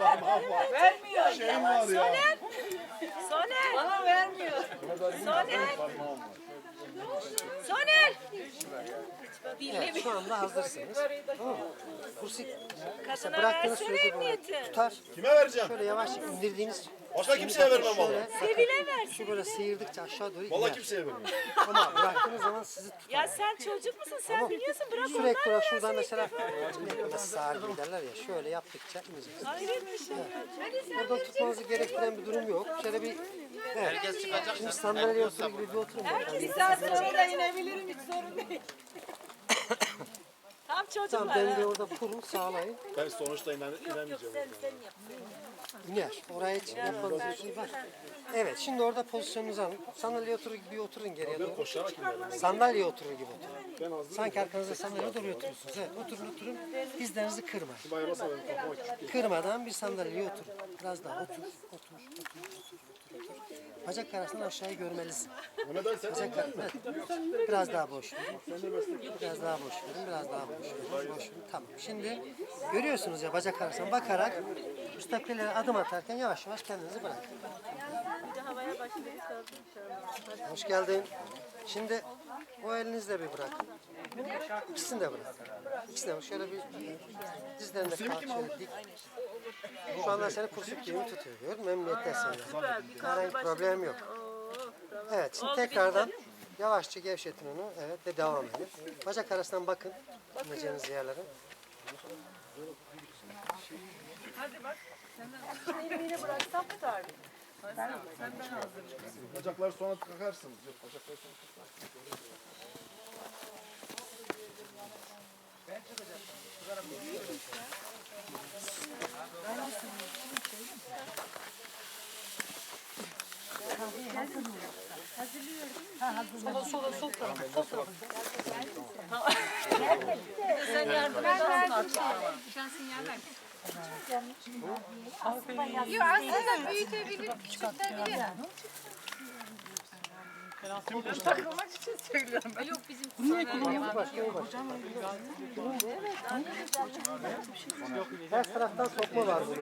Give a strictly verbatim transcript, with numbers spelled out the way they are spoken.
Vermiyor. Şeyim var ya. Soner. Soner. Bana vermiyor. Soner. Soner. Evet, şu anda hazırsınız. Tamam mı? Kursu mesela Kadına bıraktığınız versene sürece böyle emniyeti. tutar. Kime vereceğim? Şöyle yavaş indirdiğiniz. Başka kimseye vermem şöyle, valla. Sevile ver. şu böyle sıyırdıkça aşağı doğru Valla iner. kimseye vermem. Ama bıraktığınız zaman sizi tutar. Ya sen çocuk musun? Sen Tamam. biliyorsun. Bırak Sürekli onlar olarak versin şuradan ilk mesela defa. ne kadar sağır gibi derler ya, şöyle yaptıkça ineceksiniz. Hayret bir şey. Oradan tutmanızı gerektiren bir durum yok. Şöyle bir evet. Şimdi sandalyeye oturur gibi bir oturun. Bir saat sonra da inebilirim, hiç sorun değil. Tam Tamam, çocuklar. dengeyi ha. orada kurun, sağlayın. Ben sonuçta inen, inemeyeceğim. İner. Oraya hiç yapmanız bir şey var. Evet, şimdi orada pozisyonunuzu alın. Sandalyeye oturur gibi oturun geriye doğru. Koşarak inerim. Sandalyeye oturur gibi oturun. Sanki arkanızda sandalyeye doğru oturursunuz. Evet, oturun oturun. Dizlerinizi kırmayın. Bayılmasa benim kafama küçük. Kırmadan bir sandalyeye oturun. Biraz daha otur, otur, otur, otur, otur, otur. Bacak arasından aşağıyı görmelisin. O ne dersen Bacak arasından, evet. Biraz daha boş verin. Biraz daha boş verin, biraz daha boş verin. Boş verin. Tamam. Şimdi görüyorsunuz ya bacak arasından bakarak müstakbellere adım atarken yavaş yavaş kendinizi bırakın. Hoş geldin. Şimdi o elinizle bir bırakın. İkisini de bırakın. İkisini de şöyle bir dizlerinde kalk, şöyle dik. Şu anda seni kursuk gibi tutuyor. Gördün mü? Memnuniyettesin. Yani. Herhangi bir problem yok. Evet, şimdi tekrardan yavaşça gevşetin onu. Evet ve devam edin. Bacak arasından bakın. İneceğiniz yerlere. Elini bıraksam tutar mı? bacakları sonra takarsınız. Yok, bacakları sonra takarsınız. Sen yardım edersin artık. Yok aslında büyütebilir, küçültebilir. Takılmak için söylüyorum. Yok bizim kusurlarımız var. Her taraftan sokma var burada.